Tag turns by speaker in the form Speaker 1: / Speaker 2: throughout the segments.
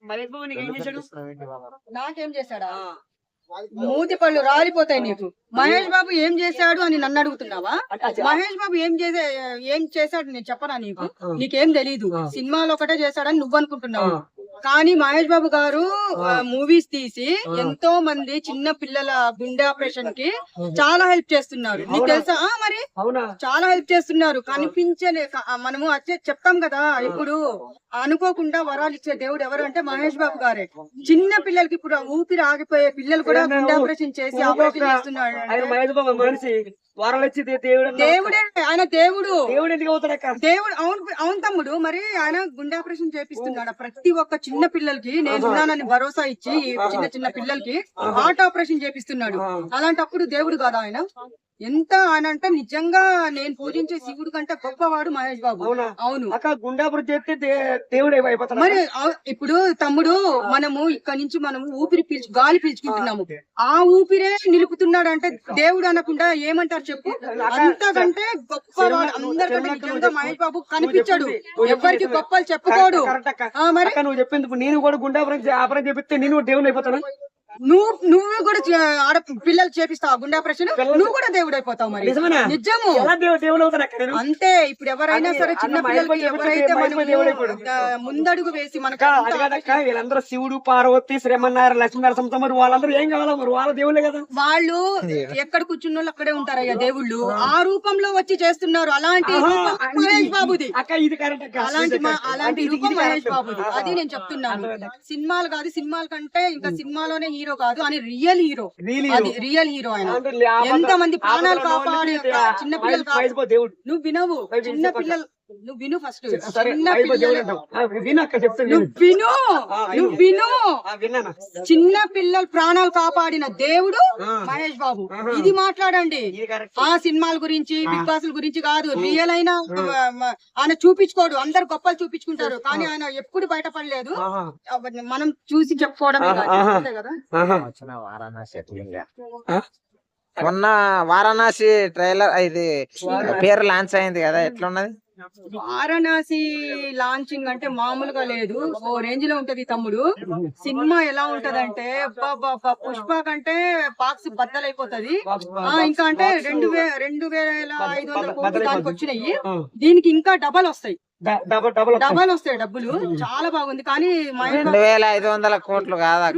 Speaker 1: మహేష్ బాబు నీకు ఏం చేశాడు?
Speaker 2: నాకేం చేశాడా? మూతి పళ్ళు రాలిపోతాయి నీకు. మహేష్ బాబు ఏం చేశాడు అని నన్ను అడుగుతున్నావా? మహేష్ బాబు ఏం చేశాడు నేను చెప్పనా నీకు? నీకేం తెలీదు. సినిమాలో ఒకటే చేశాడని నువ్వు అనుకుంటున్నావు. కానీ మహేష్ బాబు గారు మూవీస్ తీసి ఎంతో మంది చిన్న పిల్లల గుండె ఆపరేషన్ కి చాలా హెల్ప్ చేస్తున్నారు. నీకు తెలుసా? మరి చాలా హెల్ప్ చేస్తున్నారు. కనిపించలే మనము వచ్చే చెప్తాం కదా. ఇప్పుడు అనుకోకుండా వరాలు ఇచ్చే దేవుడు ఎవరు అంటే మహేష్ బాబు గారే. చిన్న పిల్లలకి ఇప్పుడు ఊపిరి ఆగిపోయే పిల్లలు కూడా గుండె ఆపరేషన్ చేసి ఆపరేషన్ చేస్తున్నాడు. దేవుడే ఆయన. దేవుడు దేవుడు అవును తమ్ముడు. మరి ఆయన గుండె ఆపరేషన్ చేపిస్తున్నాడు ప్రతి ఒక్క చిన్న పిల్లలకి. నేను ఉన్నానని భరోసా ఇచ్చి చిన్న చిన్న పిల్లలకి హార్ట్ ఆపరేషన్ చేపిస్తున్నాడు. అలాంటప్పుడు దేవుడు కాదా ఆయన? ఎంత ఆయన అంటే నిజంగా నేను పూజించే శివుడు కంటే గొప్పవాడు మహేష్ బాబు. అవును. మరి ఇప్పుడు తమ్ముడు మనము ఇక్కడ నుంచి మనము గాలి పీల్చుకుంటున్నాము. ఆ ఊపిరే నిలుపుతున్నాడు అంటే దేవుడు అనకుండా ఏమంటారు చెప్పు? అంతకంటే గొప్పవాడు అందరికంటే నిజంగా మహేష్ బాబు కనిపించాడు. ఎవరికి గొప్పలు చెప్పుకోడు. మరి
Speaker 1: నువ్వు చెప్పింది నేను కూడా గుండె ఆపరేషన్ చేపిస్తే నేను దేవుడు అయిపోతాను.
Speaker 2: నువ్వు కూడా పిల్లలు చేపిస్తావు గుండె ఆపరేషన్. నువ్వు కూడా దేవుడు అయిపోతావు. మరి నిజము అంతే. ఇప్పుడు ఎవరైనా సరే చిన్న పిల్లలకి ఎవరైతే ముందడుగు వేసి మనకు
Speaker 1: వీళ్ళందరూ శివుడు, పార్వతి, శ్రీమన్నారాయణ, లక్ష్మీనారాయణ మరి వాళ్ళందరూ ఏం కావాలా? మరి వాళ్ళ దేవుళ్ళే కదా.
Speaker 2: వాళ్ళు ఎక్కడ కూర్చున్న వాళ్ళు అక్కడే ఉంటారయ్యా దేవుళ్ళు. ఆ రూపంలో వచ్చి చేస్తున్నారు. అలాంటి మహేష్ బాబుది అలాంటి రూపం మహేష్ బాబుది. అది నేను చెప్తున్నాను. సినిమాలు కాదు, సినిమాల కంటే ఇంకా సినిమాలోనే హీరో కాదు అని రియల్ హీరో. అది రియల్ హీరో. ఆయన ఎంత మంది ప్రాణాలు కాపాడి చిన్న పిల్లలు. నువ్వు వినవు. చిన్న పిల్లలు నువ్వు విను. ఫస్ట్ చిన్న పిల్లల ప్రాణాలు కాపాడిన దేవుడు మహేష్ బాబు. ఇది మాట్లాడండి. ఆ సినిమాల గురించి, బిగ్ బాస్ గురించి కాదు. రియల్ అయినా ఆయన చూపించుకోడు. అందరు గొప్పలు చూపించుకుంటారు కానీ ఆయన ఎప్పుడు బయటపడలేదు. మనం చూసి చెప్పుకోవడమే కదా.
Speaker 3: మొన్న వారణాసి ట్రైలర్ ఇది పేరు లాంచ్ అయింది కదా, ఎట్లున్నది?
Speaker 2: వారణాసి లాంచింగ్ అంటే మామూలుగా లేదు. ఓ రేంజ్ లో ఉంటది తమ్ముడు. సినిమా ఎలా ఉంటదంటే పుష్ప కంటే బాక్స్ బద్దలైపోతది. ఇంకా అంటే 2,500 కోట్లు దానికి వచ్చినాయి. దీనికి ఇంకా డబల్ వస్తాయి. డబల్ వస్తాయి డబ్బులు. చాలా బాగుంది. కానీ
Speaker 3: 2,500 కోట్లు కాదా?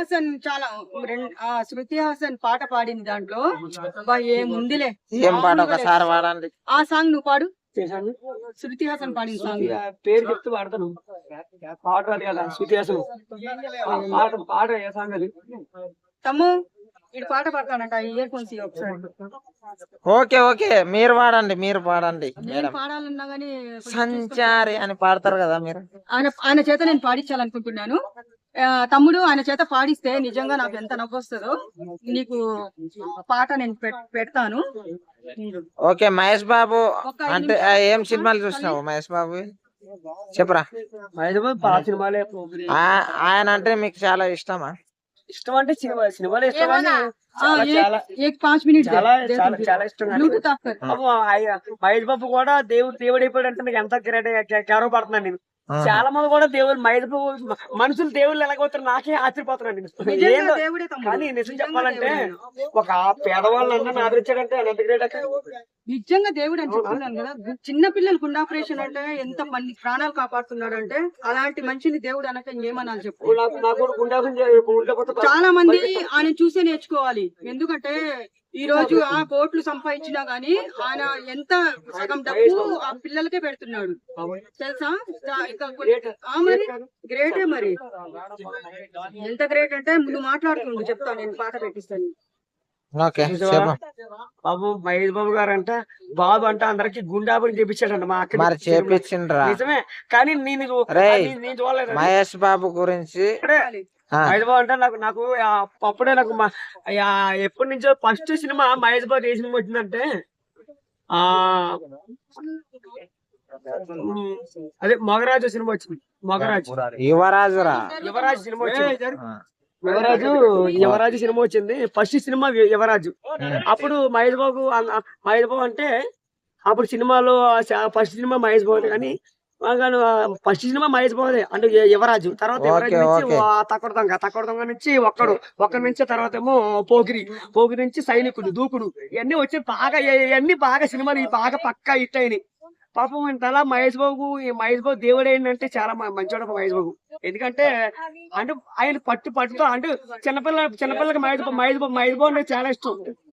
Speaker 2: శృతి హాసన్ పాట పాడింది దాంట్లో. ఏముందిలే.
Speaker 3: ఏం పాట ఒకసారి పాడండి.
Speaker 2: ఆ సాంగ్ నువ్వు పాడు. శృతి హాసన్ పాడిన సాంగ్
Speaker 1: పేరు చెప్తూ పాడతాను. పాట కదా శృతి హాసన్ పాట ఏ సాంగ్ అది?
Speaker 2: తమ్ము ఇటు పాట పాడతానంట. ఇయర్ ఫోన్స్ ఒకసారి.
Speaker 3: ఓకే మీరు పాడండి.
Speaker 2: పాడాలన్నా గానీ
Speaker 3: సంచారి అని పాడతారు కదా మీరు.
Speaker 2: ఆయన చేత నేను పాడించాలనుకుంటున్నాను. తమ్ముడు ఆయన చేత పాడిస్తే నిజంగా నాకు ఎంత నవ్వు వస్తుందో. నీకు పాట నేను పెడతాను.
Speaker 3: ఓకే. మహేష్ బాబు అంటే ఏం సినిమాలు చూసినావు మహేష్ బాబు? చెప్పరా.
Speaker 1: మహేష్ బాబు పాత సినిమాలే.
Speaker 3: ఆయన అంటే మీకు చాలా ఇష్టమా?
Speaker 1: ఇష్టం అంటే సినిమాలు ఇష్టం.
Speaker 2: 5 మినిట్
Speaker 1: చాలా ఇష్టం. మహేష్ బాబు కూడా దేవుడు అయిపోయాడు అంటే నాకు ఎంత గర్వ పడుతున్నాను నేను. చాలా మంది కూడా దేవుడు మహేష్ బాబు మనుషులు దేవుళ్ళు ఎలాగవుతారు నాకే ఆశ్చర్యపోతున్నాను నేను. కానీ నిజం చెప్పాలంటే ఒక పేదవాళ్ళని ఆదరించాడంటే ఎంత గ్రేట్ అక్క.
Speaker 2: నిజంగా దేవుడు అని చెప్తున్నాను కదా. చిన్న పిల్లలు గుండె ఆపరేషన్ అంటే ఎంత మంది ప్రాణాలు కాపాడుతున్నాడు అంటే అలాంటి మనిషిని దేవుడు అనక ఏమనాలి చెప్పు. చాలా మంది ఆయన చూసే నేర్చుకోవాలి. ఎందుకంటే ఈ రోజు ఆ కోట్లు సంపాదించినా గానీ ఆయన ఎంత సగం డబ్బు ఆ పిల్లలకే పెడుతున్నాడు తెలుసా. మరి గ్రేటే. మరి ఎంత గ్రేట్ అంటే నువ్వు మాట్లాడుతుండు చెప్తాను. నేను పాట పెట్టిస్తాను.
Speaker 1: బాబు మహేష్ బాబు గారు అంట బాబు అంటే అందరికి గుండాబుని చేపించాడంట. మా అక్కడ నిజమే. కానీ నేను చూడలేదు
Speaker 3: మహేష్ బాబు గురించి.
Speaker 1: మహేష్ బాబు అంటే నాకు అప్పుడే నాకు ఎప్పటి నుంచో ఫస్ట్ సినిమా మహేష్ బాబు ఏ సినిమా వచ్చిందంటే అదే మొగరాజు సినిమా వచ్చింది. యువరాజు సినిమా వచ్చింది. యువరాజు సినిమా వచ్చింది. ఫస్ట్ సినిమా యువరాజు. అప్పుడు మహేష్ బాబు అంటే అప్పుడు సినిమాలో ఫస్ట్ సినిమా మహేష్ బాబు. కానీ ఫస్ట్ సినిమా మహేష్ బాబుదే అంటే యువరాజు, తర్వాత యువరాజు
Speaker 3: ఓకే,
Speaker 1: నుంచి
Speaker 3: ఓకే.
Speaker 1: తక్కడ దొంగ నుంచి ఒక్కడు నుంచి తర్వాత ఏమో పోకిరి నుంచి సైనికుడు, దూకుడు, ఇవన్నీ వచ్చి ఇవన్నీ బాగా సినిమాలు బాగా పక్కా హిట్ అయినాయి. పాపం ఇంతలా మహేష్ బాబు దేవుడు ఏంటంటే చాలా మంచోడు మహేష్ బాబు. ఎందుకంటే అంటే ఆయన పట్టుతో అంటే చిన్నపిల్లలకి మహేష్ బాబు అంటే చాలా ఇష్టం.